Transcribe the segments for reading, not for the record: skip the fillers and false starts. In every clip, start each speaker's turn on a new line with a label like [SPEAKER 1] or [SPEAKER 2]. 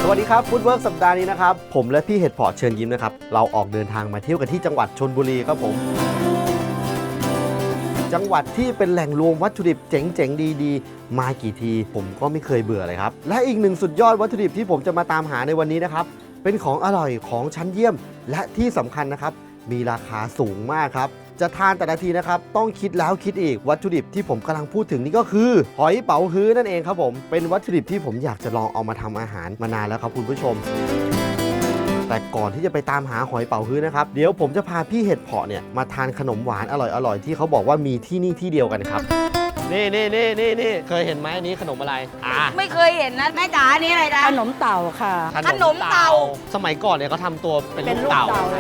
[SPEAKER 1] วัสดีครับฟู้ดเวิร์กสัปดาห์นี้นะครับผมและพี่เห็ดเพาะเชิญยิ้มนะครับเราออกเดินทางมาเที่ยวกันที่จังหวัดชลบุรีครับผมจังหวัดที่เป็นแหล่งรวมวัตถุดิบเจ๋งๆดีๆมากี่ทีผมก็ไม่เคยเบื่อเลยครับและอีกหนึ่งสุดยอดวัตถุดิบที่ผมจะมาตามหาในวันนี้นะครับเป็นของอร่อยของชั้นเยี่ยมและที่สำคัญนะครับมีราคาสูงมากครับจะทานแต่ละทีนะครับต้องคิดแล้วคิดอีกวัตถุดิบที่ผมกำลังพูดถึงนี่ก็คือหอยเป๋าฮื้อนั่นเองครับผมเป็นวัตถุดิบที่ผมอยากจะลองเอามาทำอาหารมานานแล้วครับคุณผู้ชมแต่ก่อนที่จะไปตามหาหอยเป๋าฮื้อนะครับเดี๋ยวผมจะพาพี่เห็ดเพาะเนี่ยมาทานขนมหวานอร่อยๆที่เขาบอกว่ามีที่นี่ที่เดียวกันครับนี่เคยเห็นไหมอันนี้ขนมอะไร
[SPEAKER 2] ไม่เคยเห็นนะแม่จ๋านี่อะไรนะ
[SPEAKER 3] ขนมเต่าค่ะ
[SPEAKER 2] ขนมเต่า
[SPEAKER 1] สมัยก่อนเนี่ยเขาทำตัวเป็นลูกเต่า
[SPEAKER 3] เลย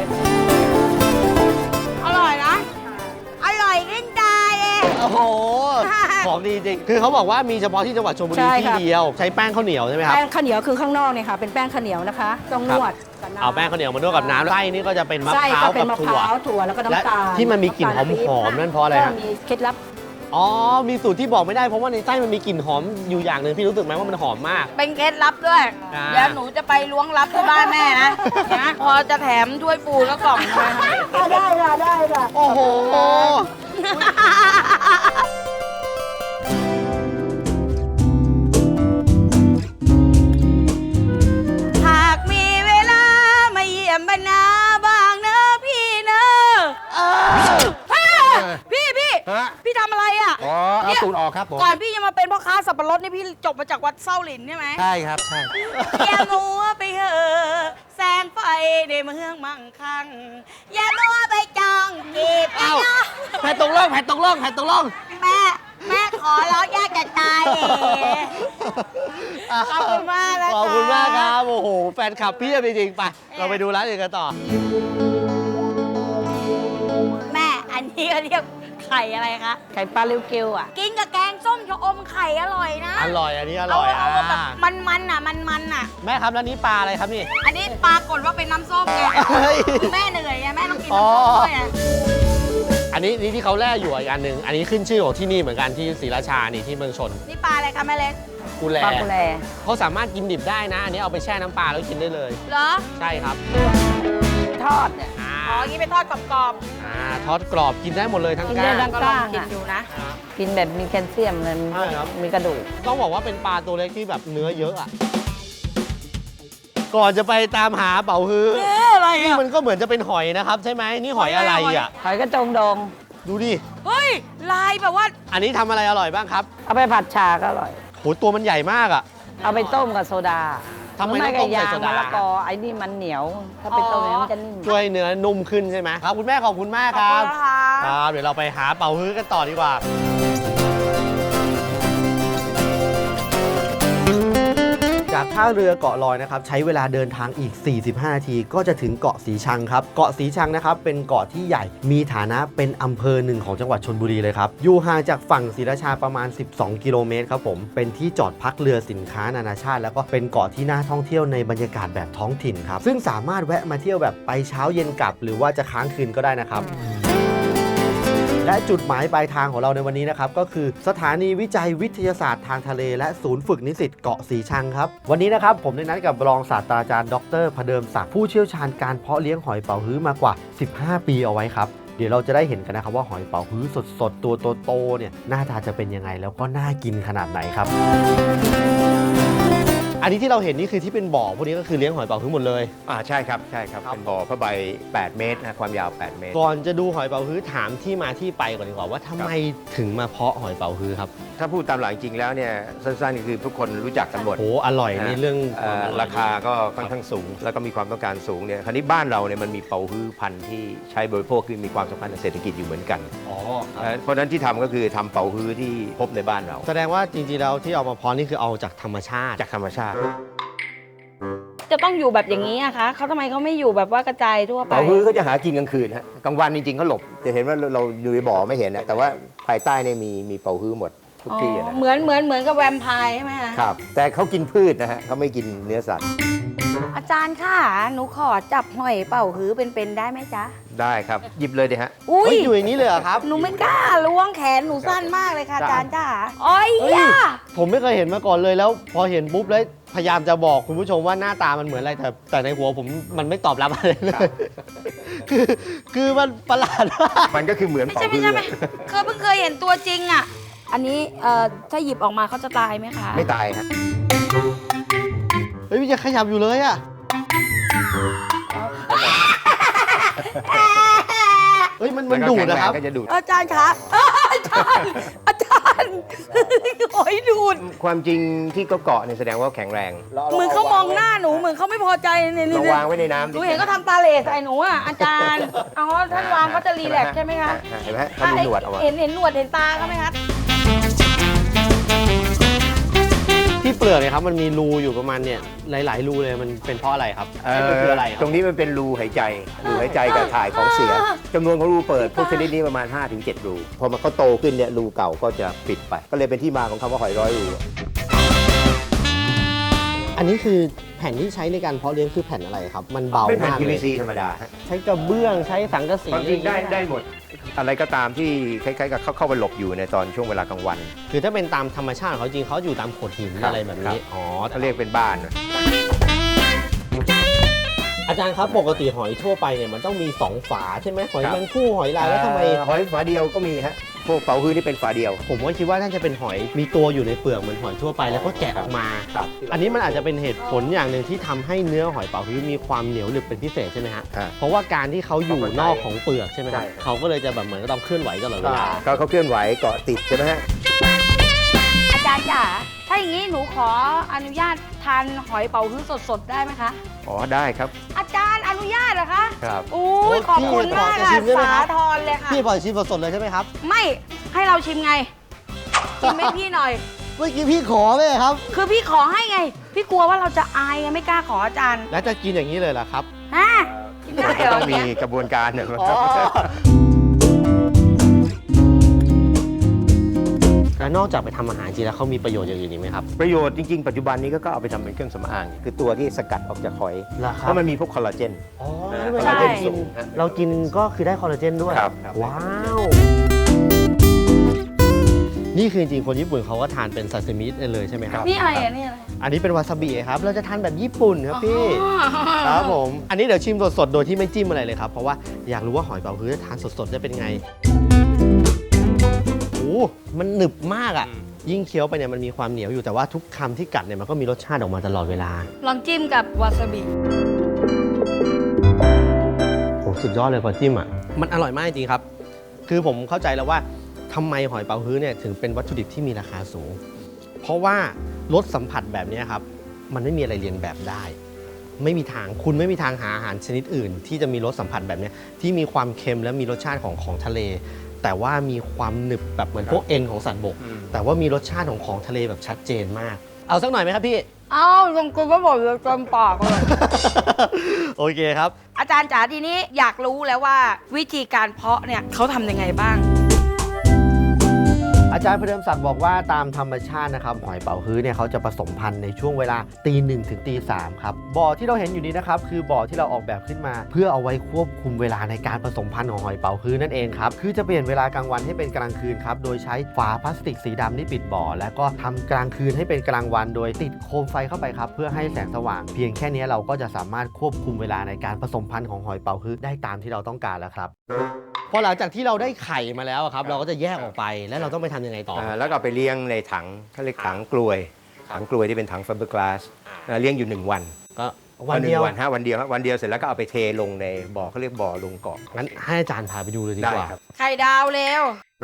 [SPEAKER 2] อร่อยนะอร่อยขึ้นใจเลย
[SPEAKER 1] โอ้โหของดีจริงคือเขาบอกว่ามีเฉพาะที่จังหวัดชลบุรีที่เดียวใช้แป้งข้าวเหนียวใช่ไหมครับ
[SPEAKER 3] แป้งข้าวเหนียวคือข้างนอกเนี่ยค่ะเป็นแป้งข้าวเหนียวนะคะต้องนวด
[SPEAKER 1] เอาแป้งข้าวเหนียวมานวดกับน้ำไส้นี่ก็จะเป็นมะพร้าวกับ
[SPEAKER 3] ถั่วแล้วก็น้ำตาล
[SPEAKER 1] ที่มันมีกลิ่นหอมๆนั่นเพราะอะไรครับ
[SPEAKER 3] มีเคล็ดลับ
[SPEAKER 1] อ๋อมีสูตรที่บอกไม่ได้เพราะว่าในไส้มันมีกลิ่นหอมอยู่อย่างหนึ่งพี่รู้สึกไหมว่ามันหอมมาก
[SPEAKER 2] เป็นเคล็ดลับด้วยเดี๋ยวหนูจะไปล้วงลับที่บ้านแม่นะพอจะแถมถ้วยฟูแล้วกล่อง
[SPEAKER 3] ได้ค่ะ
[SPEAKER 1] โอ้โห
[SPEAKER 2] หากมีเวลามาเยี่ยมบรรณาบ้างนะพี่เนอะพี่ทำอะไรอ่ะ
[SPEAKER 4] เอาตูดออกครับผม
[SPEAKER 2] ก่อนพี่จะมาเป็นพ่อค้าสับปะรดนี่พี่จบมาจากวัดเส้าหลินใช่ไหม
[SPEAKER 4] ใช่ครับใช่
[SPEAKER 2] อย่ามัวไปเหอะแสงไฟในเมืองมั่งคั่งอย่ามัวไปจองจีบ
[SPEAKER 1] เอ้าแผ่ตกล่อง
[SPEAKER 2] แม่ขอร้องยากจะตายขอบคุณมากนะคะ
[SPEAKER 1] ขอบคุณมากครับโอ้โหแฟนคลับพี่จริงๆไปเราไปดูร้านอื่นกันต่อ
[SPEAKER 2] แม่อันนี้ก็เรียกไข่อะไรคะ
[SPEAKER 3] ไข่ปลาลิวกิวอ่ะ
[SPEAKER 2] กินกับแกงส้มชะอมไข่อร่อยนะ
[SPEAKER 1] อร่อยอันนี้อร่อย
[SPEAKER 2] เอาแบบมันอ่ะ
[SPEAKER 1] แม่ครับแล้วนี้ปลาอะไรครับนี่
[SPEAKER 2] อันนี้ปลากดว่าเป็นน้ำส้มไงแม่เหนื่อยไงแม่ต้องกินน้ำส้มด้วย
[SPEAKER 1] อันนี้ที่เขาแล่อยู่อีกอันหนึ่งอันนี้ขึ้นชื่อของที่นี่เหมือนกันที่ศรีราชานี่ที่เมืองชน
[SPEAKER 2] นี่ปลาอะไรคะแม่เล็ก
[SPEAKER 1] กุแล
[SPEAKER 3] ปลากุแล
[SPEAKER 1] เขาสามารถกินดิบได้นะอันนี้เอาไปแช่น้ำปลาแล้วกินได้เลย
[SPEAKER 2] เหรอ
[SPEAKER 1] ใช่ครับ
[SPEAKER 3] ทอดเนี่ย
[SPEAKER 2] อย่างนี้ไปทอดกรอบ
[SPEAKER 1] ทอดกรอบกินได้หมดเลยทั้งก้าง
[SPEAKER 3] ก็ลอง
[SPEAKER 2] กินดูนะ
[SPEAKER 3] กินแบบมีแคลเซียมเลยมีกระดูก
[SPEAKER 1] ต้องบอกว่าเป็นปลาตัวเล็กที่แบบเนื้อเยอะอะก่อนจะไปตามหาเป๋าฮื้อ
[SPEAKER 2] อะไรอ่ะ
[SPEAKER 1] มันก็เหมือนจะเป็นหอยนะครับใช่ไหมนี่หอยอะไรอ่ะ
[SPEAKER 3] หอยกระจงดอง
[SPEAKER 1] ดูดิ
[SPEAKER 2] เฮ้ยลายแบบว่า
[SPEAKER 1] อันนี้ทำอะไรอร่อยบ้างครับ
[SPEAKER 3] เอาไปผัดชาก็อร่อย
[SPEAKER 1] โหตัวมันใหญ่มากอ่ะ
[SPEAKER 3] เอาไปต้มกับโซดา
[SPEAKER 1] ทำไมต้องต้มใส่โซดา
[SPEAKER 3] แล้วก็ไอ้นี่มันเหนียวถ้าไปต้มเนี่ยมันจะนิ่ม
[SPEAKER 1] ช่วยเนื้อนุ่มขึ้นใช่ไหมครับคุณแม่ขอบคุณมากครับเดี๋ยวเราไปหาเป๋าฮื้อกันต่อดีกว่าจากท่าเรือเกาะลอยนะครับใช้เวลาเดินทางอีก45นาทีก็จะถึงเกาะสีชังครับเกาะสีชังนะครับเป็นเกาะที่ใหญ่มีฐานะเป็นอำเภอหนึ่งของจังหวัดชลบุรีเลยครับอยู่ห่างจากฝั่งศรีราชาประมาณ12กิโลเมตรครับผมเป็นที่จอดพักเรือสินค้านานาชาติแล้วก็เป็นเกาะที่น่าท่องเที่ยวในบรรยากาศแบบท้องถิ่นครับซึ่งสามารถแวะมาเที่ยวแบบไปเช้าเย็นกลับหรือว่าจะค้างคืนก็ได้นะครับและจุดหมายปลายทางของเราในวันนี้นะครับก็คือสถานีวิจัยวิทยาศาสตร์ทางทะเลและศูนย์ฝึกนิสิตเกาะสีชังครับวันนี้นะครับผมได้นัดกับรองศาสตราจารย์ดร.พเดิมศักดิ์ผู้เชี่ยวชาญการเพาะเลี้ยงหอยเป๋าฮื้อมากว่า15ปีเอาไว้ครับเดี๋ยวเราจะได้เห็นกันนะครับว่าหอยเป๋าฮื้อสดๆตัวโตๆเนี่ยหน้าตาจะเป็นยังไงแล้วก็น่ากินขนาดไหนครับอันนี้ที่เราเห็นนี่คือที่เป็นบ่อพวกนี้ก็คือเลี้ยงหอยเป๋าฮื้อหมดเลย
[SPEAKER 4] ใช่ครับเป็นบ่อผ้าใบ8 เมตรนะความยาว8 เมตร
[SPEAKER 1] ก่อนจะดูหอยเป๋าฮื้อถามที่มาที่ไปก่อนดีกว่าว่าทำไมถึงมาเพาะหอยเป๋าฮื้อครับ
[SPEAKER 4] ถ้าพูดตามหลักจริงแล้วเนี่ยสั้นๆคือทุกคนรู้จักกันหมด
[SPEAKER 1] โอ้อร่อยในเรื่อง
[SPEAKER 4] ราคาก็ค่อนข้างสูงแล้วก็มีความต้องการสูงเนี่ยคราวนี้บ้านเราเนี่ยมันมีเป๋าฮื้อพันธุ์ที่ใช้บริโภคคือมีความสำคัญทางเศรษฐกิจอยู่เหมือนกันเพราะฉะนั้นที่ทำก็คือทำเป๋าฮื้อที่พบในบ้านเรา
[SPEAKER 1] แสดงว่าจริงๆแล้วที่เอามาเพาะนี่คือเอาจากธรรมชาติ
[SPEAKER 2] จะต้องอยู่แบบอย่างนี้อะคะเขาทำไมเขาไม่อยู่แบบว่ากระจายทั่วไป
[SPEAKER 4] เป๋าฮื้อเขาจะหากินกลางคืนฮะกลางวันจริงๆเขาหลบจะเห็นว่าเราอยู่ในบ่อไม่เห็นนะแต่ว่าภายใต้เนี่ยมีเป๋าฮื้อหมดทุกที่นะ
[SPEAKER 2] เหมือนกับแวมไพร์ใช่ไหมคะ
[SPEAKER 4] ครับแต่เขากินพืชนะฮะเขาไม่กินเนื้อสัตว์
[SPEAKER 2] อาจารย์ค่ะหนูขอจับหอยเป๋าฮื้อเป็นได้ไหมจ๊ะ
[SPEAKER 4] ได้ครับหยิบเลยดิฮะ
[SPEAKER 2] อุ้ย
[SPEAKER 1] อยู่อย่างนี้เลยเหรอครับ
[SPEAKER 2] หนูไม่กล้าล้วงแขนหนูสั้นมากเลยค่ะอาจารย์จ้าอ้อย
[SPEAKER 1] ทผมไม่เคยเห็นมาก่อนเลยแล้วพอเห็นปุ๊บแล้วพยายามจะบอกคุณผู้ชมว่าหน้าตามันเหมือนอะไรแต่ในหัวผมมันไม่ตอบรับอะไรเลยคือมันประหลาดมาก
[SPEAKER 4] มันก็คือเหมือน
[SPEAKER 2] ไม่
[SPEAKER 4] เป่า
[SPEAKER 2] ใช่
[SPEAKER 4] ฮื้
[SPEAKER 2] ไม่
[SPEAKER 4] อ
[SPEAKER 2] ใช่ไม่เพิ่งเคยเห็นตัวจริงอ่ะ อันนี้ถ้าหยิบออกมาเขาจะตายไหมคะ
[SPEAKER 4] ไม่ตายครับ
[SPEAKER 1] เฮ้ยมันยังขยับอยู่เลยอ่ะเฮ้ยมันดูดนะครับ
[SPEAKER 4] ก็จะดูด
[SPEAKER 2] อาจารย์คะอาจารย์หอยดูด
[SPEAKER 4] ความจริงที่ก็เกาะเนี่ยแสดงว่าแข็งแรง
[SPEAKER 2] เหมือนเขามองหน้าหนูเหมือนเขาไม่พอใจเนี่ย
[SPEAKER 4] ลองวางไว้ในน้ำ
[SPEAKER 2] หนูเห็นเขาทำตาเหล่ใส่หนูอ่ะอาจารย์อ๋อท่านวางเขาจะรีแลกซ์ใช่ไหมคะ
[SPEAKER 4] เห็นไหมถ้ามีหนวดเอาไว้
[SPEAKER 2] เห็นหนวดเห็นตาเขาไหมคะ
[SPEAKER 1] ที่เปลือกเนี่ยครับมันมีรูอยู่ประมาณเนี่ยหลายๆรูเลยมันเป็นเพราะอะไรครับมันคืออะไรค
[SPEAKER 4] ต
[SPEAKER 1] รั
[SPEAKER 4] ร
[SPEAKER 1] บ
[SPEAKER 4] งนี้มันเป็นรูหายใจกับถ่ายของเสียจำนวนของรูเปิดพวกชนิดนี้ประมาณ 5-7 รู พอมันก็โตขึ้นเนี่ยรูเก่าก็จะปิดไป ก็เลยเป็นที่มาของคำว่าหอยร้อยรู
[SPEAKER 1] อันนี้คือแผ่นที่ใช้ในการเพาะเลี้ยงคือแผ่นอะไรครับมันเบา
[SPEAKER 4] เป็นแผ่น
[SPEAKER 1] มากเลย
[SPEAKER 4] PVC ธรรมดาฮะ
[SPEAKER 1] ใช้กระเบื้องใช้สังกะสี
[SPEAKER 4] ความจริงได้หมด อะไรก็ตามที่คล้ายๆกับเข้าไปหลบอยู่ในตอนช่วงเวลากลางวัน
[SPEAKER 1] คือถ้าเป็นตามธรรมชาติของเขาจริงเขาอยู่ตามโขดหิน
[SPEAKER 4] ครับ
[SPEAKER 1] อะไรแบบนี้อ๋อ
[SPEAKER 4] เขาเรียกเป็นบ้านนะ
[SPEAKER 1] อาจารย์ครับปกติหอยทั่วไปเนี่ยมันต้องมี2ฝาใช่ไหมหอยแมงคู่หอยลายแล้วทำไม
[SPEAKER 4] หอยฝาเดียวก็มีฮะพวกเป๋าฮื้อนี่เป็นฝาเดียว
[SPEAKER 1] ผมก็คิดว่าน่าจะเป็นหอยมีตัวอยู่ในเปลือกเหมือนหอยทั่วไปแล้วก็แกะออกมา
[SPEAKER 4] ครับ
[SPEAKER 1] อันนี้มันอาจจะเป็นเหตุผลอย่างหนึ่งที่ทำให้เนื้อหอยเป๋าฮื้อมีความเหนียวหนึบเป็นพิเศษใช่ไหมฮะ
[SPEAKER 4] อ่า
[SPEAKER 1] เพราะว่าการที่เขาอยู่นอกของเปลือกใช่ไหมครับ
[SPEAKER 4] ใช่
[SPEAKER 1] เขาก็เลยจะแบบเหมือนกับต้องเคลื่อนไหวตลอดเวลา
[SPEAKER 4] ก็เขาเคลื่อนไหวเกาะติดใช่ไหมฮะ
[SPEAKER 2] อาจารย์จ๋าถ้าอย่างนี้หนูขออนุญาตทานหอยเป๋าฮื้อสดๆได้ไหมคะ
[SPEAKER 4] อ๋อได้ครับ
[SPEAKER 2] อาจารย์อนุญาตเหรอคะ
[SPEAKER 4] ครับ
[SPEAKER 2] อุ้ยขอบคุณมาก
[SPEAKER 1] พี่
[SPEAKER 2] ค่ะ
[SPEAKER 1] ชิมได้ไหมครั
[SPEAKER 2] สา
[SPEAKER 1] บ
[SPEAKER 2] ธรเลยค่ะ
[SPEAKER 1] พี่ปล่อยชิมสดๆเลยใช่ไหมครับ
[SPEAKER 2] ไม่ให้เราชิมไงชิมให้พี่หน่อย
[SPEAKER 1] เมื่อกี้พี่ขอเลยครับ
[SPEAKER 2] คือพี่ขอให้ไง พี่กลัวว่าเราจะอายไงไม่กล้าขออาจารย์
[SPEAKER 1] แล้วจะกินอย่างนี้เลยเหรอครับ
[SPEAKER 2] ฮะกินได้เหรอ
[SPEAKER 4] ต้องมี
[SPEAKER 2] เนี่ย
[SPEAKER 4] กระบวนการเนี่ย
[SPEAKER 1] แล้วนอกจากไปทำอาหารจริงแล้วเขามีประโยชน์อย่างอื่นอีกไหมครับ
[SPEAKER 4] ประโยชน์จริงๆ ปัจจุบันนี้ก็เอาไปทำเป็นเครื่องสำอาง คือตัวที่สกัดออกจากหอย
[SPEAKER 1] เหรอครับ
[SPEAKER 4] เพราะมันมีพวกคอลลาเจน
[SPEAKER 1] อ๋อ
[SPEAKER 4] คอลลาเจนสูง
[SPEAKER 1] เรากินก็คือได้คอลลาเจนด้วย
[SPEAKER 4] ครับ
[SPEAKER 1] ว้าว นี่คือจริงๆคนญี่ปุ่นเขาก็ทานเป็นซาซิมิเลยใช่ไหมครับ
[SPEAKER 2] นี่อะไรอ่ะนี่อะไร
[SPEAKER 1] อันนี้เป็นวาซาบิครับ เราจะทานแบบญี่ปุ่นครับพี่ ครับผม อันนี้เดี๋ยวชิมสดๆ โดยที่ไม่จิ้มอะไรเลยครับ เพราะว่าอยากรู้ว่าหอยเป๋าฮื้อทานสดๆจะเป็นไง โอ้มันหนึบมากอ่ะ ยิ่งเคี้ยวไปเนี่ยมันมีความเหนียวอยู่ แต่ว่าทุกคำที่กัดเนี่ยมันก็มีรสชาติออกมาตลอดเวลา
[SPEAKER 2] ลองจิ้มกับวาซาบิ
[SPEAKER 1] โอ้สุดยอดเลยพอจิ้มอ่ะ มันอร่อยมากจริงๆครับ คือผมเข้าใจแล้วว่าทำไมหอยเป๋าฮื้อเนี่ยถึงเป็นวัตถุดิบที่มีราคาสูง เพราะว่ารสสัมผัสแบบนี้ครับ มันไม่มีอะไรเรียนแบบได้ ไม่มีทางคุณไม่มีทางหาอาหารชนิดอื่น ที่จะมีรสสัมผัสแบบนี้ที่มีความเค็มและมีรสชาติของทะเล แต่ว่ามีความหนึบแบบเหมือนพวกเอ็นของสัตว์บก แต่ว่ามีรสชาติของทะเลแบบชัดเจนมาก เอาสักหน่อยไหมครับพี่
[SPEAKER 2] เอ้าลงกุลก็บอกเลยจนปากเลย
[SPEAKER 1] โอเคครับ
[SPEAKER 2] อาจารย์จ๋าทีนี้อยากรู้แล้วว่าวิธีการเพาะเนี่ยเขาทำยังไงบ้าง
[SPEAKER 1] อาจารย์พเดิมศักดิ์บอกว่าตามธรรมชาตินะครับหอยเป๋าฮื้อเนี่ยเขาจะผสมพันธุ์ในช่วงเวลาตี 1 ถึงตี 3 ครับบ่อที่เราเห็นอยู่นี้นะครับคือบ่อที่เราออกแบบขึ้นมา เพื่อเอาไว้ควบคุมเวลาในการผสมพันธุ์ของหอยเป๋าฮื้อนั่นเองครับคือจะเปลี่ยนเวลากลางวันให้เป็นกลางคืนครับโดยใช้ฝาพลาสติกสีดำที่ปิดบ่อแล้วก็ทำกลางคืนให้เป็นกลางวัน โดยติดโคมไฟเข้าไปครับเพื่อให้แสงสว่าง เพียงแค่นี้เราก็จะสามารถควบคุมเวลาในการผสมพันธุ์ของหอยเป๋าฮื้อได้ตามที่เราต้องการแล้วครับพอหลังจากที่เราได้ไข่มาแล้วครับเราก็จะแยกออกไปแล้วเราต้องไปทำยังไงต่อ
[SPEAKER 4] แล้วก็เอาไปเลี้ยงในถังเขาเรียกถังกลวย ถังกลวยที่เป็นถังไฟเบอร์กลาสเลี้ยงอยู่ 1 วัน
[SPEAKER 1] ก็วันเดียว
[SPEAKER 4] วันฮะวันเดียวครับวันเดียวเสร็จแล้วก็เอาไปเทลงในบ่อเขาเรียกบ่อลงเกาะ
[SPEAKER 1] งั้นให้อาจารย์พาไปดูเลยดีกว่า
[SPEAKER 4] ได้ครับ
[SPEAKER 2] ไข่ดาวเร็ว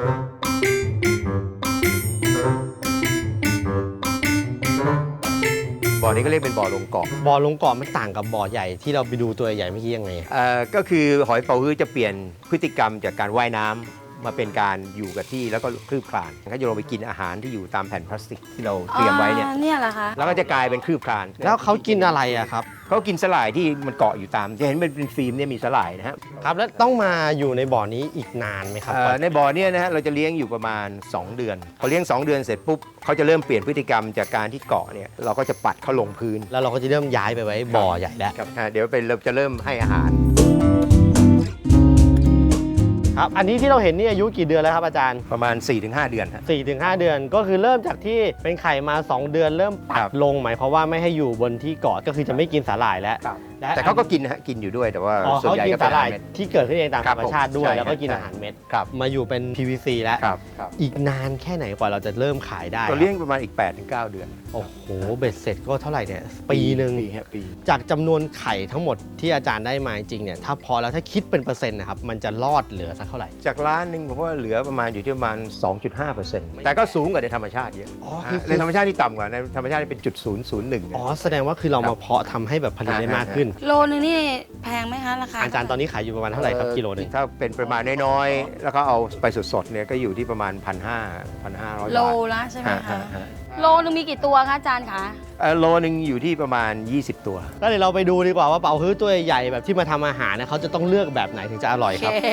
[SPEAKER 4] บ่อนี้ก็เรียกเป็นบ่อลงเกาะ
[SPEAKER 1] บ่อลงเกาะมันต่างกับบ่อใหญ่ที่เราไปดูตัวใหญ่เมื่อกี้ยังไง
[SPEAKER 4] ก็คือหอยเป๋าฮื้อจะเปลี่ยนพฤติกรรมจากการว่ายน้ำมาเป็นการอยู่กับที่แล้วก็คลืบคลานเขาจะลงไปกินอาหารที่อยู่ตามแผ่นพลาสติกที่เราเตรียมไว้เนี่ย
[SPEAKER 2] เนี่ยเหรอคะ
[SPEAKER 4] แล้วก็จะกลายเป็นคลืบคลาน
[SPEAKER 1] แล้วเขากินอะไรอะครับ
[SPEAKER 4] เขากินสลายที่มันเกาะอยู่ตามจะเห็นมันเป็นฟิล์มเนี่ยมีสลายนะฮะ
[SPEAKER 1] ครับแล้วต้องมาอยู่ในบ่อนี้อีกนานไหมครับ
[SPEAKER 4] ในบ่อเนี่ยนะฮะเราจะเลี้ยงอยู่ประมาณ 2 เดือนพอเลี้ยง 2 เดือนเสร็จปุ๊บเขาจะเริ่มเปลี่ยนพฤติกรรมจากการที่เกาะเนี่ยเราก็จะปัดเขาลงพื้น
[SPEAKER 1] แล้วเราก็จะเริ่มย้ายไปไว้บ่อใหญ่แล้ว
[SPEAKER 4] ครับเดี๋ยวเราจะเริ่มให้อาหาร
[SPEAKER 1] ครับอันนี้ที่เราเห็นนี่อายุกี่เดือนแล้วครับอาจารย์
[SPEAKER 4] ประมาณ 4-5 เดือนฮะ
[SPEAKER 1] 4-5 เดือนก็คือเริ่มจากที่เป็นไข่มา 2 เดือนเริ่มปั
[SPEAKER 4] ครั
[SPEAKER 1] ด
[SPEAKER 4] บ
[SPEAKER 1] ลงหมายความว่าไม่ให้อยู่บนที่เกาะก็คือจะไม่กินสาหร่ายแล้วและ
[SPEAKER 4] แต่เขาก็กินนะฮะกินอยู่ด้วยแต่ว่า
[SPEAKER 1] อ๋อ
[SPEAKER 4] ส่วน
[SPEAKER 1] เขา
[SPEAKER 4] ใหญ่
[SPEAKER 1] กิน
[SPEAKER 4] ก็เป็
[SPEAKER 1] สาน หร่าย
[SPEAKER 4] อาหารเม็ด
[SPEAKER 1] ที่เกิดขึ้นเองตาม
[SPEAKER 4] ครั
[SPEAKER 1] ธร
[SPEAKER 4] บ
[SPEAKER 1] รมชาติด้วย
[SPEAKER 4] ใช่
[SPEAKER 1] แล้วก็กิน
[SPEAKER 4] ใช่
[SPEAKER 1] อาหารเม็ด
[SPEAKER 4] ครับ
[SPEAKER 1] มาอยู่เป็น PVC แล้ว
[SPEAKER 4] ครับ
[SPEAKER 1] อีกนานแค่ไหนกว่าเราจะเริ่มขายได้
[SPEAKER 4] ตัวเลี้ยงประมาณอีก 8-9 เดือน
[SPEAKER 1] โอ้โหเบ็ดเสร็จก็เท่าไหร่เนี่ยปีหนึ่ง
[SPEAKER 4] ปี
[SPEAKER 1] จากจำนวนไข่ทั้งหมดที่อาจารย์ได้มาจริงเนี่ยถ้าพอแล้วถ้าคิดเป็นเปอร์เซ็นต์นะครับมันจะรอดเหลือสักเท่าไหร่
[SPEAKER 4] จากล้านหนึ่งผมว่าเหลือประมาณอยู่ที่ประมาณ 2.5%แต่ก็สูงกว่าในธรรมชาติเยอะ
[SPEAKER 1] อ๋อคือ
[SPEAKER 4] ในธรรมชาติที่ต่ำกว่าในธรรมชาติเป็น0.001
[SPEAKER 1] อ๋อแสดงว่าคือเรามาเพาะทำให้แบบผลิตได้มากขึ้น
[SPEAKER 2] โลนึงนี่แพงไหมคะราคา
[SPEAKER 1] อาจารย์ตอนนี้ขายอยู่ประมาณเท่าไหร่ครับกิโลหนึง
[SPEAKER 4] ถ้าเป็นประมาณน้อยๆแล้วก็เอาไปสดๆเนี่ยก็อยู่ที่ประมาณ 1,500
[SPEAKER 2] โล
[SPEAKER 4] บาท
[SPEAKER 2] ละใช่ไหมคะ
[SPEAKER 4] ฮะ
[SPEAKER 2] โลนึงมีกี่ตัวคะอาจารย์คะ
[SPEAKER 4] โลนึงอยู่ที่ประมาณ 20 ตัว
[SPEAKER 1] ก็เดี๋ยวเราไปดูดีกว่าว่าเป๋าฮื้อตัวใหญ่ๆแบบที่มาทำอาหารเนี่ยเขาจะต้องเลือกแบบไหนถึงจะอร่อย
[SPEAKER 2] โอ
[SPEAKER 1] ครับ
[SPEAKER 2] เค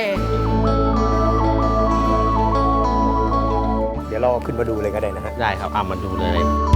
[SPEAKER 4] เดี๋ยวเราขึ้นมาดูเลยก็ได้นะฮะ
[SPEAKER 1] ได้ครับมาดูเลย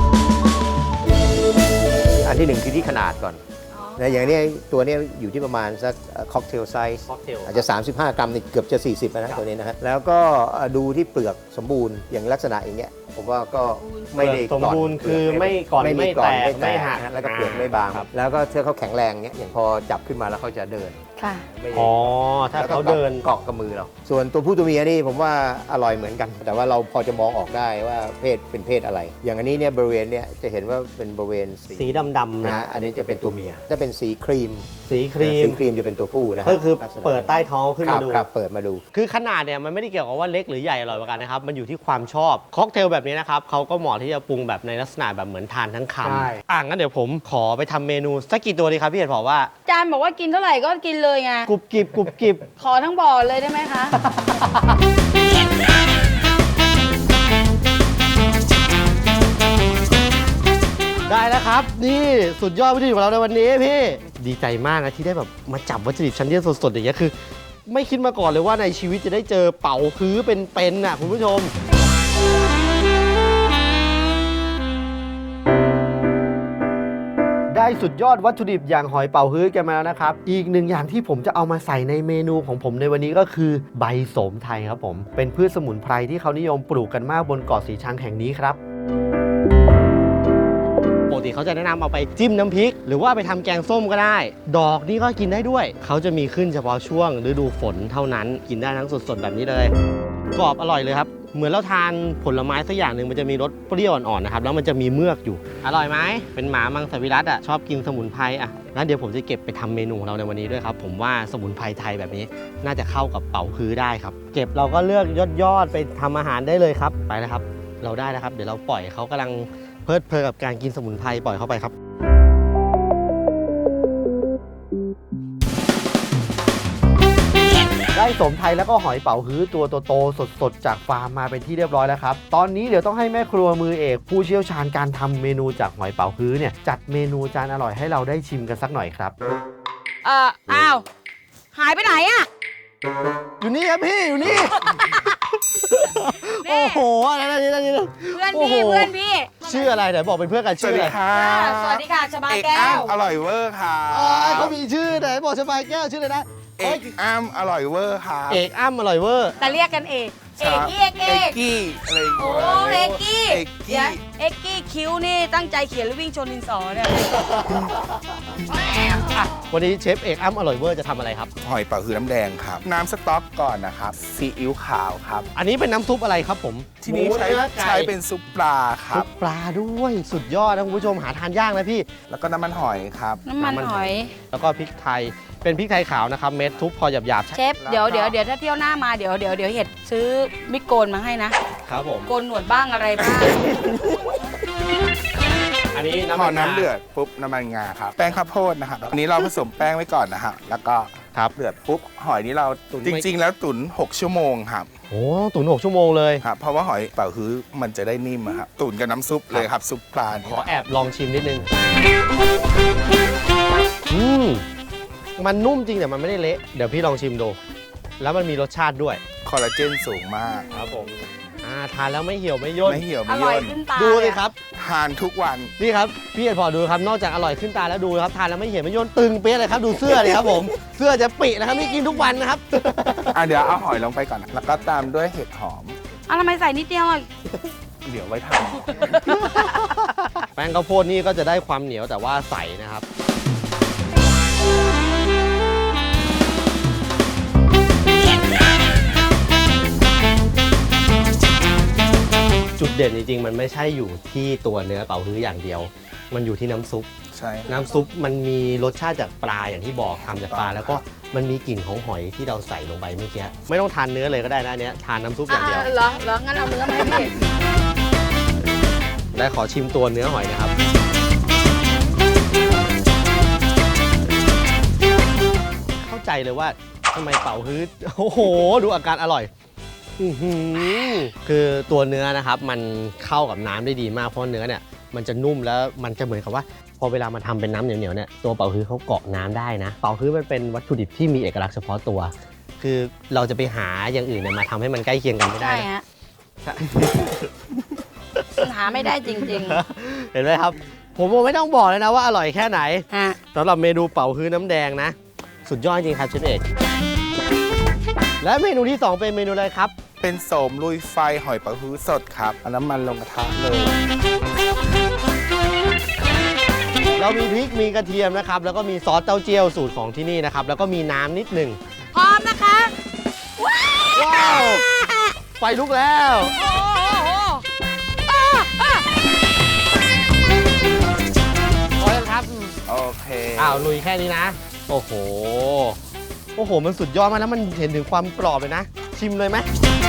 [SPEAKER 4] อันที่หนึ่งคือที่ขนาดก่อน
[SPEAKER 2] อ๋อ
[SPEAKER 4] นะอย่างนี้ตัวนี้อยู่ที่ประมาณสักค็อกเทลไซส์
[SPEAKER 1] ค็อกเทล
[SPEAKER 4] อาจจะ 35 กรัมนี่เกือบจะ 40นะตัวนี้นะฮะแล้วก็ดูที่เปลือกสมบูรณ์อย่างลักษณะอย่างเงี้ยผมว่าก็ไม่ได้
[SPEAKER 1] สมบูรณ์คือไม่ก่อนไม่แตกไม่หัก
[SPEAKER 4] นะแล้วก็เปลือกไม่บาง
[SPEAKER 1] ครับ
[SPEAKER 4] แล้วก็ถ้าเขาแข็งแรงเงี้ยอย่างพอจับขึ้นมาแล้วเขาจะเดิน
[SPEAKER 2] ค่ะ
[SPEAKER 4] ไม่
[SPEAKER 1] อ๋อถ้าเขาเดิน
[SPEAKER 4] เกาะกับมือเราส่วนตัวผู้ตัวเมียนี่ผมว่าอร่อยเหมือนกัน แต่ว่าเราพอจะมองออกได้ว่าเพศเป็นเพศอะไร อย่างอันนี้เนี่ยบริเวณเนี่ยจะเห็นว่าเป็นบริเวณ
[SPEAKER 1] สีดำๆ
[SPEAKER 4] นะ
[SPEAKER 1] นะ
[SPEAKER 4] ฮะอันนี้จะเป็นตัวเมียถ้าเป็นสีครีม
[SPEAKER 1] สีครี
[SPEAKER 4] สี
[SPEAKER 1] ม
[SPEAKER 4] ครีมจะเป็นตัวผู้นะฮะ
[SPEAKER 1] ก็คือ
[SPEAKER 4] ลักษณะ
[SPEAKER 1] เปิดใต้ท้องขึ้นมาดู
[SPEAKER 4] ครับเปิดมาดู
[SPEAKER 1] คือขนาดเนี่ยมันไม่ได้เกี่ยวกับว่าเล็กหรือใหญ่อร่อยกว่ากันนะครับ มันอยู่ที่ความชอบค็อกเทลแบบนี้นะครับเขาก็เหมาะที่จะปรุงแบบในลักษณะแบบเหมือนทานทั้งค
[SPEAKER 4] ใช่
[SPEAKER 1] ำงั้นเดี๋ยวผมขอไปทำเมนูสักกี่ตัวดีครับพี่เห็ดบอกว่า
[SPEAKER 2] อาจารย์บอกว่ากินเท่าไหร่ก็กินเลยไง
[SPEAKER 1] กรุบกริบกรุบกริบ
[SPEAKER 2] ขอทั้งบ่อเลยได้ไหมคะ
[SPEAKER 1] ได้แล้วครับ นี่สุดยอดวัตถุดิบของเราในวันนี้พี่ ดีใจมากนะที่ได้แบบมาจับวัตถุดิบชั้นเยี่ยมสดๆอย่างเงี้ยคือ ไม่คิดมาก่อนเลยว่าในชีวิตจะได้เจอเป๋าฮื้อเป็นๆน่ะคุณผู้ชม ได้สุดยอดวัตถุดิบอย่างหอยเป๋าฮื้อกันมาแล้วนะครับ อีกหนึ่งอย่างที่ผมจะเอามาใส่ในเมนูของผมในวันนี้ก็คือใบโสมไทยครับผม เป็นพืชสมุนไพรที่เขานิยมปลูกกันมากบนเกาะสีชังแห่งนี้ครับปกติเขาจะแนะนำเอาไปจิ้มน้ำพริก หรือว่าไปทำแกงส้มก็ได้ ดอกนี่ก็กินได้ด้วย เขาจะมีขึ้นเฉพาะช่วงฤดูฝนเท่านั้น กินได้ทั้งสดๆแบบนี้เลย กรอบอร่อยเลยครับ เหมือนเราทานผลไม้สักอย่างหนึ่งมันจะมีรสเปรี้ยวอ่อนๆนะครับ แล้วมันจะมีเมือกอยู่ อร่อยไหม เป็นหมามังสวิรัติชอบกินสมุนไพรงั้นเดี๋ยวผมจะเก็บไปทำเมนูของเราในวันนี้ด้วยครับ ผมว่าสมุนไพรไทยแบบนี้น่าจะเข้ากับเป๋าฮื้อได้ครับ เก็บเราก็เลือกยอดๆไปทำอาหารได้เลยครับ ไปแล้วครับ เราได้แล้วครับ เดี๋ยวเราปล่อยเขากำลังเพลิดเพลินกับการกินสมุนไพรปล่อยเข้าไปครับ ได้โสมไทยแล้วก็หอยเป๋าฮื้อตัวโตๆสดๆจากฟาร์มมาเป็นที่เรียบร้อยแล้วครับ ตอนนี้เดี๋ยวต้องให้แม่ครัวมือเอกผู้เชี่ยวชาญการทำเมนูจากหอยเป๋าฮื้อเนี่ยจัดเมนูจานอร่อยให้เราได้ชิมกันสักหน่อยครับ
[SPEAKER 2] อ้าว หายไปไหนอะ
[SPEAKER 1] อยู่นี่ครับพี่อยู่นี่
[SPEAKER 2] นี่
[SPEAKER 1] โอ้โหอะไรนะนี่
[SPEAKER 2] เพื่อน
[SPEAKER 1] โอ้โห
[SPEAKER 2] พี่เพื่อนพี่
[SPEAKER 1] ชื่ออะไรไหนบอกเป็นเพื่อนกันชื่ออะไร
[SPEAKER 2] สวัสดีค่ะชบา
[SPEAKER 5] เอก
[SPEAKER 2] แก้
[SPEAKER 5] อ้ำ
[SPEAKER 2] ว
[SPEAKER 5] อร่อยเวอร์ค่ะ
[SPEAKER 1] อ๋อเขามีชื่อไหนบอกสบายแก้วชื่ออะไรนะ
[SPEAKER 5] เอกอ้ำอร่อยเวอร์ค่ะ
[SPEAKER 1] เอกอ้ำอร่อยเวอร์
[SPEAKER 2] แต่เรียกกันเอกเอกกี้เอก
[SPEAKER 5] เอ
[SPEAKER 2] เอก ก
[SPEAKER 5] กี้อะไรอย่าง
[SPEAKER 2] โอ้
[SPEAKER 5] เงี้ย
[SPEAKER 2] เอกกี้
[SPEAKER 5] เอกกี้
[SPEAKER 2] เดี๋ยวเอกกี้คิ้วนี่ตั้งใจเขียนหรือวิ่งชนดินสอเนี่ย
[SPEAKER 1] วันนี้เชฟเอกอ้ำอร่อยเวอร์จะทำอะไรครับ
[SPEAKER 5] หอยเป๋าฮือน้ำแดงครับ น้ำสต๊อกก่อนนะครับซีอิ๊วขาวครับ
[SPEAKER 1] อันนี้เป็นน้ำซุปอะไรครับผม
[SPEAKER 5] ที่นี้
[SPEAKER 1] หมู
[SPEAKER 5] ใช้
[SPEAKER 1] นื้อไก่
[SPEAKER 5] ใช้เป็นซุปปลาค
[SPEAKER 1] ซุ
[SPEAKER 5] รับ
[SPEAKER 1] ปปลาด้วยสุดยอดนะคุณผู้ชมหาทานยากนะพี่
[SPEAKER 5] แล้วก็น้ำมันหอยครับ
[SPEAKER 2] น้ำมันหอย
[SPEAKER 1] แล้วก็พริกไทยเป็นพริกไทยขาวนะครับเม็ดทุบพอหยาบ
[SPEAKER 2] เชฟเดี๋ยวถ้าเที่ยวหน้ามาเดี๋ยวเห็ดซื้อมิดโกนมาให้นะ
[SPEAKER 1] ๆครับผม
[SPEAKER 2] โกนหนวดบ้างอะไรบ้าง
[SPEAKER 1] อันนี้
[SPEAKER 5] พอน้ำเดือดปุ๊บน้ำมันงาครับ แป้งข้าวโพดนะครับอันนี้เราผสมแป้งไว้ก่อนนะฮะแล้วก็
[SPEAKER 1] ครับ
[SPEAKER 5] เดือดปุ๊บหอยนี้เรา
[SPEAKER 1] ตุ๋น
[SPEAKER 5] จริง ๆ แล้วตุ๋น6 ชั่วโมงครับ
[SPEAKER 1] โอ้ตุ๋น6 ชั่วโมงเลย
[SPEAKER 5] ครับเพราะว่าหอยเป๋าฮื้อมันจะได้นิ่มอะครับตุ๋นกับน้ำซุปเลยครับซุปปลา
[SPEAKER 1] ข
[SPEAKER 5] นี่
[SPEAKER 1] อแอบลองชิมนิดนึงมันนุ่มจริงแต่มันไม่ได้เละเดี๋ยวพี่ลองชิมดูแล้วมันมีรสชาติด้วย
[SPEAKER 5] คอลลาเจนสูงมาก
[SPEAKER 1] ครับผมทานแล้วไม่เหี่ยวไม่ย่น
[SPEAKER 5] ไม่เหี่ยว
[SPEAKER 2] อ
[SPEAKER 5] ไม่
[SPEAKER 2] ร่อย
[SPEAKER 5] ย่น
[SPEAKER 2] ขึ้นตา
[SPEAKER 1] ดู
[SPEAKER 2] เล
[SPEAKER 1] เลย ยครับ
[SPEAKER 5] ทานทุกวัน
[SPEAKER 1] นี่ครับพี่เอกพอดูครับนอกจากอร่อยขึ้นตาแล้วดูครับทานแล้วไม่เหี่ยวไม่ย่นตึงเปี้ยเลยครับดูเสื้อเลยครับผมเสื้อจะปินะครับนี่กินทุกวันนะครับ
[SPEAKER 5] เดี๋ยวเอาหอยลงไปก่อนนะแล้วก็ตามด้วยเห็ดหอม
[SPEAKER 2] ทำไมใส่นิดเดียวอ่ะ
[SPEAKER 5] เดี๋ยวไว้ท
[SPEAKER 1] แป้งข้าวโพดนี่ก็จะได้ความเหนียวแต่ว่าใสนะครับ จุดเด่นจริงๆ มันไม่ใช่อยู่ที่ตัวเนื้อเป๋าฮื้ออย่างเดียว มันอยู่ที่น้ำซุป
[SPEAKER 5] ำใช่
[SPEAKER 1] น้ำซุปมันมีรสชาติจากปลาอย่างที่บอกทำจากปลาแล้วก็มันมีกลิ่นของหอยที่เราใส่ลงไปเมื่อกี้ไม่ต้องทานเนื้อเลยก็ได้นะอันเนี้ยทานน้ำซุปอย่างเดียว
[SPEAKER 2] เหรองั้นเอาเนื้อมาให้พี่
[SPEAKER 1] ได้ขอชิมตัวเนื้อหอยนะครับ เข้าใจเลยว่าทำไมเป๋าฮื้อโอ้โห ดูอาการอร่อยอื้อหือคือตัวเนื้อนะครับมันเข้ากับน้ำได้ดีมากเพราะเนื้อเนี่ยมันจะนุ่มแล้วมันจะเหมือนกับว่า พอเวลามาทำเป็นน้ำเหนียวๆเนี่ยตัวเป๋าฮื้อเขาเกาะน้ำได้นะเป๋าฮื้อมันเป็นวัตถุดิบที่มีเอกลักษณ์เฉพาะตัว คือเราจะไปหาอย่างอื่นเนี่ยมาทำให้มันใกล้เคียงกันไม่ได้
[SPEAKER 2] ใช่
[SPEAKER 1] นะ
[SPEAKER 2] ฮะหาไม่ได้จริง
[SPEAKER 1] เห็นไหมครับ ผมไม่ต้องบอกเลยนะว่าอร่อยแค่ไหน
[SPEAKER 2] ๆฮะ
[SPEAKER 1] สำหรับเมนูเป๋าฮื้อน้ำแดงนะ สุดยอดจริงครับเชฟเอกและเมนูที่ 2 เป็นเมนูอะไรครับ
[SPEAKER 5] เป็นโสมลุยไฟหอยเป๋าฮื้อสดครับเอาน้ำมันลงกระทะเลย
[SPEAKER 1] เรามีพริกมีกระเทียมนะครับ แล้วก็มีซอสเต้าเจี้ยวสูตรของที่นี่นะครับ แล้วก็มีน้ำนิดหนึ่ง
[SPEAKER 2] พร้อมนะคะ
[SPEAKER 1] ว้าวไฟลุกแล้ว
[SPEAKER 2] โอ้โห
[SPEAKER 1] พอแล้วครับ
[SPEAKER 5] โอเค
[SPEAKER 1] ลุยแค่นี้นะ โอ้โหโอ้โหมันสุดยอดมากแล้วมันเห็นถึงความกรอบเลยนะ ชิมเลยไหม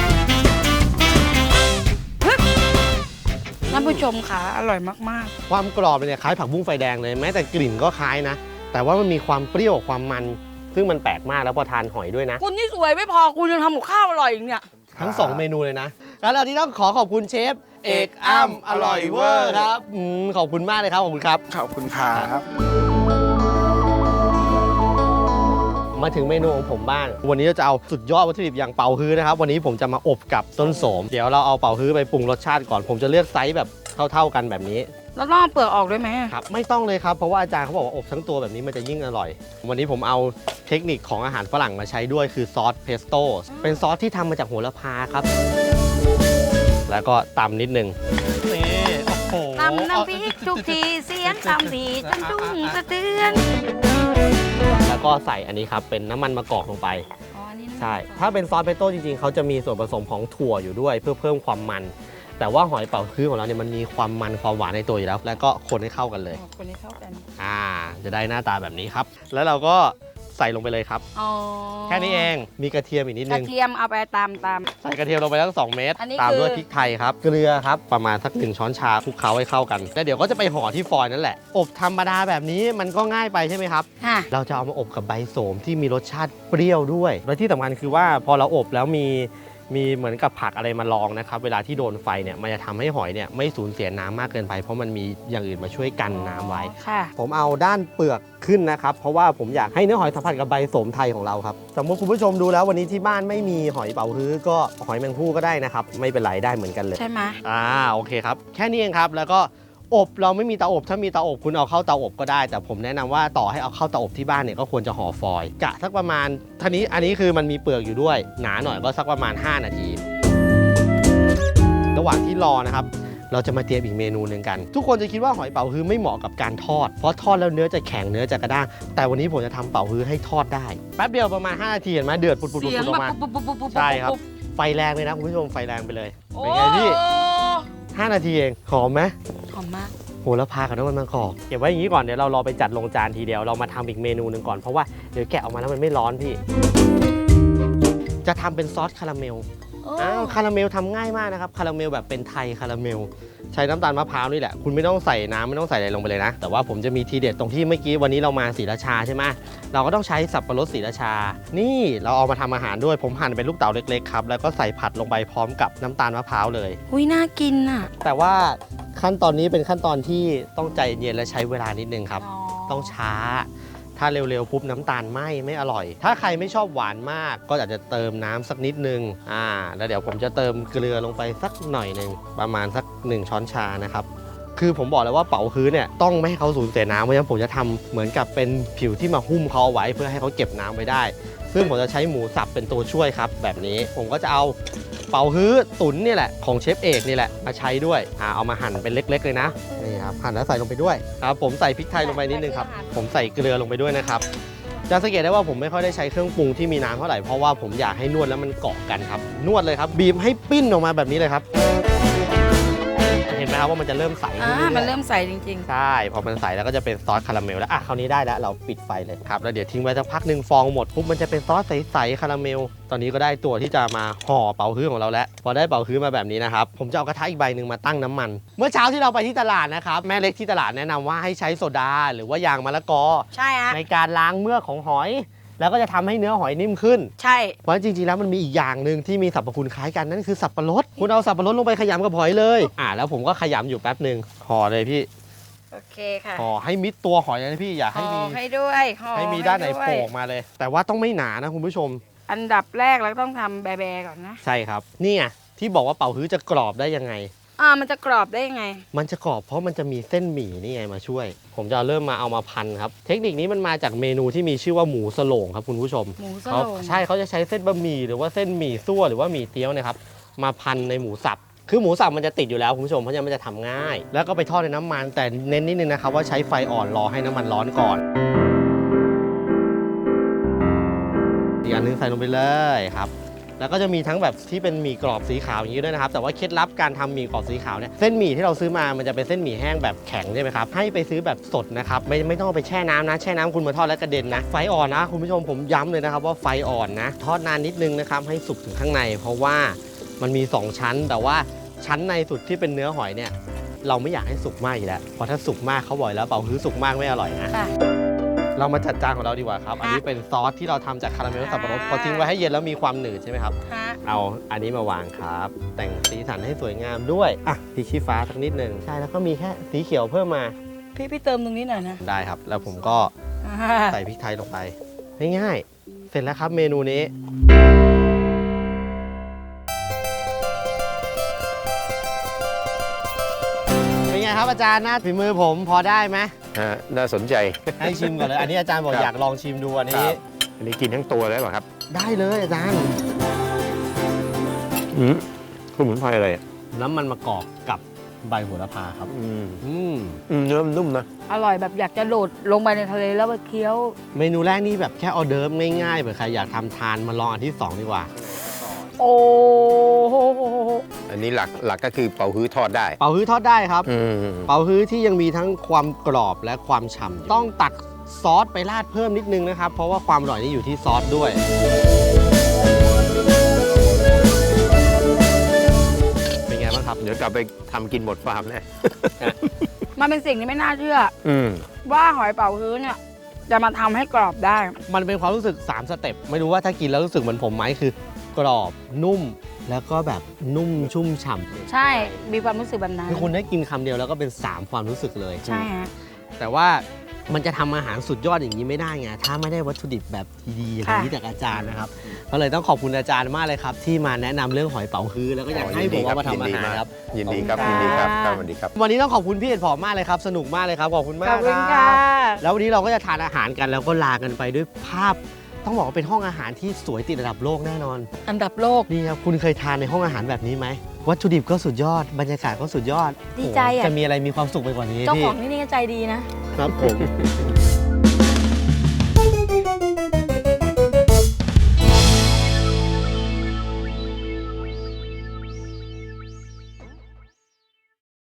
[SPEAKER 2] ท่านผู้ชมค่ะอร่อยมาก
[SPEAKER 1] ความกรอบเนี่ยคล้ายผักบุ้งไฟแดงเลยแม้แต่กลิ่นก็คล้ายนะ แต่ว่ามันมีความเปรี้ยวความมัน ซึ่งมันแปลกมากแล้วพอทานหอยด้วยนะ
[SPEAKER 2] ๆ คุณนี่สวยไม่พอคุณยังทำกับข้าวอร่อยอีกเนี่ย
[SPEAKER 1] ทั้ง 2 เมนูเลยนะแล้วเราที่ต้องขอบคุณเชฟเอกอ้ำอร่อยเวอร์ครับขอบคุณมากเลยครับขอบคุณครับ
[SPEAKER 5] ขอบคุณครับ
[SPEAKER 1] มาถึงเมนูของผมบ้างวันนี้เราจะเอาสุดยอดวัตถุดิบอย่างเป๋าฮื้อนะครับวันนี้ผมจะมาอบกับต้นโสมเดี๋ยวเราเอาเป๋าฮื้อไปปรุงรสชาติก่อนผมจะเลือกไซส์แบบเท่าๆกันแบบนี้
[SPEAKER 2] แล้วต้องเอาเปลือกออกด้วยไหม
[SPEAKER 1] ครับไม่ต้องเลยครับเพราะว่าอาจารย์เขาบอกว่าอบทั้งตัวแบบนี้มันจะยิ่งอร่อย วันนี้ผมเอาเทคนิคของอาหารฝรั่งมาใช้ด้วยคือซอสเพสโต้เป็นซอสที่ทำมาจากโหระพาครับ แล้วก็ตำนิดนึงนี่โอ้โห
[SPEAKER 2] ตำน้ำพริกทุกทีเสียงตำทีจันดุ้งสะเทือน
[SPEAKER 1] แล้วก็ใส่อันนี้ครับเป็นน้ำมันมะกอกลงไป
[SPEAKER 2] อ๋ออันนี้นะ
[SPEAKER 1] ใช่ถ้าเป็นซอสเพสโต้จริงๆเขาจะมีส่วนผสมของถั่วอยู่ด้วยเพื่อเพิ่มความมัน แต่ว่าหอยเป๋าฮื้อของเราเนี่ยมันมีความมันความหวานในตัวอยู่แล้ว แล้วก็คนให้เข้ากันเลย
[SPEAKER 2] คนนี้เข้ากัน
[SPEAKER 1] จะได้หน้าตาแบบนี้ครับ แล้วเราก็ใส่ลงไปเลยครับ
[SPEAKER 2] อ๋อ
[SPEAKER 1] แค่นี้เองมีกระเทียมอีกนิด
[SPEAKER 2] ก
[SPEAKER 1] นึ
[SPEAKER 2] ระ
[SPEAKER 1] ง
[SPEAKER 2] เทียมเอาไปตาม
[SPEAKER 1] ใส่กระเทียมลงไปทั้ง2 เม็ด
[SPEAKER 2] อันนี้
[SPEAKER 1] ตาม
[SPEAKER 2] คือ
[SPEAKER 1] ด้วยพริกไทยครับ เกลือครับ ประมาณสัก1 ช้อนชาคลุกเคล้าให้เข้ากัน แล้วเดี๋ยวก็จะไปห่อที่ฟอยล์นั่นแหละ อบธรรมดาแบบนี้มันก็ง่ายไปใช่ไหมครับ
[SPEAKER 2] ฮะ
[SPEAKER 1] เราจะเอามาอบกับใบโสมที่มีรสชาติเปรี้ยวด้วย และที่สำคัญคือว่าพอเราอบแล้วมีเหมือนกับผักอะไรมาลองนะครับ เวลาที่โดนไฟเนี่ยมันจะทำให้หอยเนี่ยไม่สูญเสียน้ำมากเกินไป เพราะมันมีอย่างอื่นมาช่วยกันน้ำไว้
[SPEAKER 2] ค่ะ
[SPEAKER 1] ผมเอาด้านเปลือกขึ้นนะครับ เพราะว่าผมอยากให้เนื้อหอยสัมผัสกับใบโสมไทยของเราครับสมมติคุณผู้ชมดูแล้ววันนี้ที่บ้านไม่มีหอยเป๋าฮื้อก็หอยแมงภู่ก็ได้นะครับ ไม่เป็นไรได้เหมือนกันเลย
[SPEAKER 2] ใช่ไหม
[SPEAKER 1] โอเคครับ แค่นี้เองครับ แล้วก็อบเราไม่มีเตาอบถ้ามีเตาอบคุณเอาเข้าเตาอบก็ได้ แต่ผมแนะนำว่าต่อให้เอาเข้าเตาอบที่บ้านเนี่ยก็ควรจะห่อฟอยล์กะสักประมาณอันนี้คือมันมีเปลือกอยู่ด้วยหนาหน่อยก็สักประมาณ5 นาที ระหว่างที่รอนะครับเราจะมาเตรียมอีกเมนูหนึ่งกัน ทุกคนจะคิดว่าหอยเป๋าฮื้อไม่เหมาะกับการทอดเพราะทอดแล้วเนื้อจะแข็งเนื้อจะกระด้างแต่วันนี้ผมจะทำเป๋าฮื้อให้ทอดได้แป๊บเดียวประมาณ5 นาทีเห็นไหมเดือดปุดๆๆ
[SPEAKER 2] เสียง
[SPEAKER 1] ออ
[SPEAKER 2] แบ
[SPEAKER 1] ก
[SPEAKER 2] บ
[SPEAKER 1] มา
[SPEAKER 2] ปุ๊บปุ๊บปุ๊บปุ๊บ
[SPEAKER 1] ใช่ครับ
[SPEAKER 2] ปุ๊
[SPEAKER 1] ไฟแรงเลยนะคุณผู้ชมไฟแรงไปเลย
[SPEAKER 2] โอ้
[SPEAKER 1] เป็นไงพี่5 นาทีเองหอมไหม
[SPEAKER 2] หอมมาก
[SPEAKER 1] โหระพากับน้ำมันมะกอกเก็บไว้อย่างนี้ก่อนเดี๋ยวเรารอไปจัดลงจานทีเดียวเรามาทำอีกเมนูหนึ่งก่อนเพราะว่าเดี๋ยวแกะออกมาแล้วมันไม่ร้อนพี่ จะทำเป็นซอสคาราเมลคาราเมลทำง่ายมากนะครับคาราเมลแบบเป็นไทยคาราเมลใช้น้ำตาลมะพร้าวนี่แหละคุณไม่ต้องใส่น้ำไม่ต้องใส่อะไรลงไปเลยนะแต่ว่าผมจะมีทีเด็ดตรงที่เมื่อกี้วันนี้เรามาศรีราชาใช่ไหมเราก็ต้องใช้สับปะรดศรีราชานี่เราเอามาทำอาหารด้วยผมหั่นเป็นลูกเต๋าเล็กๆครับแล้วก็ใส่ผัดลงไปพร้อมกับน้ำตาลมะพร้าวเลย
[SPEAKER 2] อุ้ยน่ากินอ่ะ
[SPEAKER 1] แต่ว่าขั้นตอนนี้เป็นขั้นตอนที่ต้องใจเย็นและใช้เวลานิดนึงครับ ต้องช้า ถ้าเร็วๆปุ๊บน้ำตาลไม่อร่อย ถ้าใครไม่ชอบหวานมากก็อาจจะเติมน้ำสักนิดนึงแล้วเดี๋ยวผมจะเติมเกลือลงไปสักหน่อยหนึ่งประมาณสัก1 ช้อนชานะครับ คือผมบอกเลยว่าเป๋าฮื้อเนี่ยต้องไม่ให้เขาสูญเสียน้ำเพราะฉะนั้นผมจะทำเหมือนกับเป็นผิวที่มาหุ้มเขาเอาไว้เพื่อให้เขาเก็บน้ำไว้ได้ซึ่งผมจะใช้หมูสับเป็นตัวช่วยครับแบบนี้ผมก็จะเอาเป่าฮื้อตุ๋นนี่แหละของเชฟเอกนี่แหละมาใช้ด้วยเอามาหั่นเป็นเล็กๆเลยนะนี่ครับหั่นแล้วใส่ลงไปด้วยครับผมใส่พริกไทยลงไปนิดนึงครับผมใส่เกลือลงไปด้วยนะครับจะสังเกตได้ว่าผมไม่ค่อยได้ใช้เครื่องปรุงที่มีน้ำเท่าไหร่เพราะว่าผมอยากให้นวดแล้วมันเกาะกันครับนวดเลยครับบีบให้ปิ้นออกมาแบบนี้เลยครับเห็นไหมครับว่ามันจะเริ่มใสขึ้นเรื่อยๆ
[SPEAKER 2] มันเริ่มใสจริง
[SPEAKER 1] ใช่พอมันใสแล้วก็จะเป็นซอสคาราเมลแล้วคราวนี้ได้แล้วเราปิดไฟเลยครับแล้วเดี๋ยวทิ้งไว้สักพักหนึ่งฟองหมดปุ๊บมันจะเป็นซอสใสๆคาราเมลตอนนี้ก็ได้ตัวที่จะมาห่อเป่าฮื้อของเราแล้วพอได้เป่าฮื้อมาแบบนี้นะครับผมจะเอากระทะอีกใบหนึ่งมาตั้งน้ำมันเมื่อเช้าที่เราไปที่ตลาดนะครับแม่เล็กที่ตลาดแนะนำว่าให้ใช้โซดาหรือว่ายางมะละกอ
[SPEAKER 2] ๆ ใช่ฮะ
[SPEAKER 1] ในการล้างเมือกของหอย แล้วก็จะทำให้เนื้อหอยนิ่มขึ้น
[SPEAKER 2] ใช่
[SPEAKER 1] เพราะจริงๆแล้วมันมีอีกอย่างหนึ่งที่มีสรรพคุณคล้ายกันนั่นคือสับปะรดคุณเอาสับปะรดลงไปขยำกับหอยเลยแล้วผมก็ขยำอยู่แป๊บหนึ่งห่อเลยพี่
[SPEAKER 2] โอเคค่ะ
[SPEAKER 1] ห่อให้มิดตัวหอยเลยนะพี่อย่าให้มี
[SPEAKER 2] ห่อให้ด้วยห่อ
[SPEAKER 1] ให้มีด้านไหน
[SPEAKER 2] วย
[SPEAKER 1] โผล่ออกมาเลย แต่ว่าต้องไม่หนานะคุณผู้ชม
[SPEAKER 2] อันดับแรกเราต้องทำแบๆก่อนนะ
[SPEAKER 1] ใช่ครับนี่ไงที่บอกว่าเป่าฮื้อจะกรอบได้ยังไง
[SPEAKER 2] มันจะกรอบได้ยังไง
[SPEAKER 1] มันจะกรอบเพราะมันจะมีเส้นหมี่นี่ไงมาช่วย ผมจะเริ่มมาเอามาพันครับเทคนิคนี้มันมาจากเมนูที่มีชื่อว่าหมูสโลงครับคุณผู้ชม
[SPEAKER 2] หมูส
[SPEAKER 1] เขา
[SPEAKER 2] โลง
[SPEAKER 1] ใช่เขาจะใช้เส้นบะหมี่หรือว่าเส้นหมี่ซั่วหรือว่าหมี่เตี๋ยวเนะครับมาพันในหมูสับคือหมูสับมันจะติดอยู่แล้วคุณผู้ชมเพราะฉะนั้นมันจะทำง่าย แล้วก็ไปทอดในน้ำมันแต่เน้นนิดนึงนะครับว่าใช้ไฟอ่อนรอให้น้ำมันร้อนก่อนอีกอันนึงใส่ลงไปเลยครับแล้วก็จะมีทั้งแบบที่เป็นหมี่กรอบสีขาวอย่างนี้ด้วยนะครับแต่ว่าเคล็ดลับการทำหมี่กรอบสีขาวเนี่ยเส้นหมี่ที่เราซื้อมามันจะเป็นเส้นหมี่แห้งแบบแข็งใช่ไหมครับให้ไปซื้อแบบสดนะครับไม่ต้องเอาไปแช่น้ำนะแช่น้ำคุณมาทอดแล้วกระเด็นนะไฟอ่อนนะคุณผู้ชมผมย้ำเลยนะครับว่าไฟอ่อนนะทอดนานนิดนึงนะครับให้สุกถึงข้างในเพราะว่ามันมี2ชั้นแต่ว่าชั้นในสุดที่เป็นเนื้อหอยเนี่ยเราไม่อยากให้สุกมากอยู่แล้วเพราะถ้าสุกมากเขาบอกแล้วเป่าฮื้อสุกมากไม่อร่อยนะ
[SPEAKER 2] ค่ะ
[SPEAKER 1] เรามาจัดจานของเราดีกว่าครับอันนี้เป็นซอสที่เราทำจากคาราเมลสับปะรดพอทิ้งไว้ให้เย็นแล้วมีความหนืดใช่ไหมครับ
[SPEAKER 2] ฮะ
[SPEAKER 1] เอาอันนี้มาวางครับ แต่งสีสันให้สวยงามด้วยพริกชี้ฟ้าสักนิดหนึ่งใช่แล้วก็มีแค่สีเขียวเพิ่มมา
[SPEAKER 2] พี่เติมตรงนี้หน่อยนะ
[SPEAKER 1] ได้ครับ แล้วผมก็ใส่พริกไทยลงไปง่ายๆเสร็จแล้วครับเมนูนี้เป็นไงครับอาจารย์หน้าฝีมือผมพอได้ไหม
[SPEAKER 4] น่าสนใจ
[SPEAKER 1] ให้ชิมก่อนเลยอันนี้อาจารย์บอก
[SPEAKER 4] ครับ
[SPEAKER 1] อยากลองชิมดูอัน
[SPEAKER 4] ค
[SPEAKER 1] นี้
[SPEAKER 4] รับอันนี้กินทั้งตัวได้ป่ะครับ
[SPEAKER 1] ได้เลยอาจารย์
[SPEAKER 4] สมุนไพรอะไร
[SPEAKER 1] น้ำมันมะกอกกับใบโหระพาครับ
[SPEAKER 4] เนื้อมันนุ่มนะ
[SPEAKER 2] อร่อยแบบอยากจะโดดลงไปในทะเลแล้วไปเคี้ยว
[SPEAKER 1] เมนูแรกนี่แบบแค่ออเดิร์ฟง่ายๆเผื่อใครอยากทำทานมาลองอันที่ 2 ดีกว่า
[SPEAKER 2] โอ้โห
[SPEAKER 4] อันนี้หลักก็คือเป่าฮื้อทอดได้
[SPEAKER 1] เป่าฮื้อทอดได้ครับ เป่าฮื้อที่ยังมีทั้งความกรอบและความฉ่ำต้องตักซอสไปราดเพิ่มนิดนึงนะครับ เพราะว่าความอร่อยนี่อยู่ที่ซอสด้วย เป็นไงบ้างครับ
[SPEAKER 4] เดี๋ยวกลับไปทำกินหมดฟาร์มแน่
[SPEAKER 2] มันเป็นสิ่งที่ไม่น่าเชื่อ ว่าหอยเป๋าฮื้อเนี่ยจะมาทำให้กรอบได้
[SPEAKER 1] มันเป็นความรู้สึก3สเต็ปไม่รู้ว่าถ้ากินแล้วรู้สึกเหมือนผมไหมคือกรอบนุ่ม แล้วก็แบบนุ่มชุ่มฉ่ำ
[SPEAKER 2] ใช่ มีความรู้สึกแบบนั้น
[SPEAKER 1] คือคุณได้กินคำเดียวแล้วก็เป็น 3 ความรู้สึกเลย
[SPEAKER 2] ใช่ฮะ
[SPEAKER 1] แต่ว่ามันจะทำอาหารสุดยอดอย่างนี้ไม่ได้ไงถ้าไม่ได้วัตถุดิบแบบดีๆอย่างนี้จากอาจารย์นะครับก็เลยต้องขอบคุณอาจารย์มากเลยครับที่มาแนะนำเรื่องหอยเป๋าฮื้อแล้วก็อยากให้ผมเอามาทำอาหารครับ
[SPEAKER 4] ยินดีครับ
[SPEAKER 2] ขอบ
[SPEAKER 4] ยิ
[SPEAKER 2] คุ
[SPEAKER 4] น
[SPEAKER 2] ณ
[SPEAKER 4] ดีครับ
[SPEAKER 2] ค่ะ
[SPEAKER 4] สวัสดีครับ
[SPEAKER 1] วันนี้ต้องขอบคุณพี่เอ็ดผอมมากเลยครับสนุกมากเลยครับขอบคุณมา
[SPEAKER 2] ข
[SPEAKER 1] ก
[SPEAKER 2] อบคุณ
[SPEAKER 1] ค
[SPEAKER 2] ค่ะ
[SPEAKER 1] รับแล้ววันนี้เราก็จะทานอาหารกันแล้วก็ลากันไปด้วยภาพ ต้องบอกว่าเป็นห้องอาหารที่สวยติดระดับโลกแน่นอน
[SPEAKER 2] อันดับโลก
[SPEAKER 1] นี่ครับคุณเคยทานในห้องอาหารแบบนี้ไหมวัตถุดิบก็สุดยอดบรรยากาศก็สุดยอด
[SPEAKER 2] ดีใจอะ
[SPEAKER 1] โอ้โหจะมีอะไรมีความสุขไปกว่านี้
[SPEAKER 2] เจ้า
[SPEAKER 1] พี่
[SPEAKER 2] ของที่นี่ก็ใจดีนะ
[SPEAKER 1] ครับผม